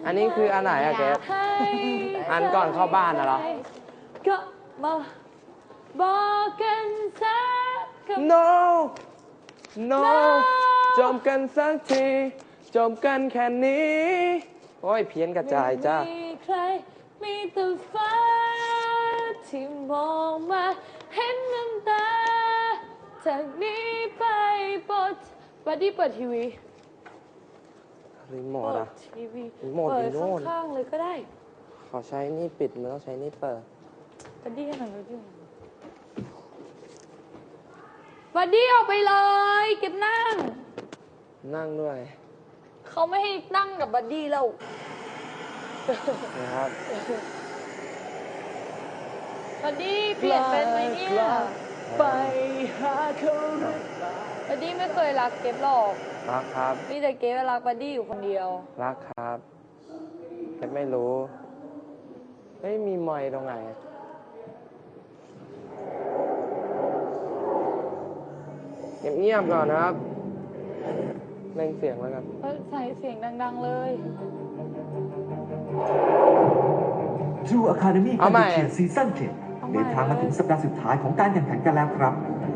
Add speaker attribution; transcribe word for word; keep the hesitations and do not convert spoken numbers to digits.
Speaker 1: อันนี้คืออันไหนอะเกสอันก่อนเข้าบ้านนะเหรอ
Speaker 2: ก็มาบอกกันสักคำ
Speaker 1: no no จบกันสักทีจบกันแค่นี้โอ้ยเพี้ยนกระจายจ้า
Speaker 2: ไม่มีใครมีแต่ฟ้าที่มองมาเห็นน้ำตาจากนี้ไปโปรดบัดดี้เปิดทีวี
Speaker 1: รีโม
Speaker 2: เปิ
Speaker 1: ท
Speaker 2: ด
Speaker 1: อะ
Speaker 2: ทีวี
Speaker 1: รีโมท
Speaker 2: เปิ
Speaker 1: อ
Speaker 2: ด
Speaker 1: ยู่โน่น
Speaker 2: ข้างๆเลยก็ได้
Speaker 1: ขอใช้นี่ปิดมันต้องใช้นี่เปิด
Speaker 2: บัดดี้ให้หน่อยบัดดี้บัดดี้ออกไปเลยเก็บนั่ง
Speaker 1: นั่งด้วย
Speaker 2: เขาไม่ให้นั่งกับบัดดี้แล้ว
Speaker 1: นะครับ
Speaker 2: บัดดี้เปลี่ยนเป็นไหมเนี่ย
Speaker 1: ไป
Speaker 2: หาเขาบัดดี้ไม่เคยรักเก็บหรอก
Speaker 1: รักครับ
Speaker 2: มีแต่เก็บรักบัดดี้อยู่คนเดียว
Speaker 1: รักครับแค่ไม่รู้เฮ้ยมีไมค์ตรงไหนเงียบๆก่อนนะครับเร่งเสียงแล้วกัน
Speaker 2: เออใส่เสียงดังๆเลย
Speaker 3: True Academy
Speaker 1: เอา
Speaker 3: การ
Speaker 1: ใหม่
Speaker 3: เชียร์ซีซั่นเจ็ดเดินทางมาถึงสัปดาห์สุดท้ายของการแข่งขันกันแล้วครับ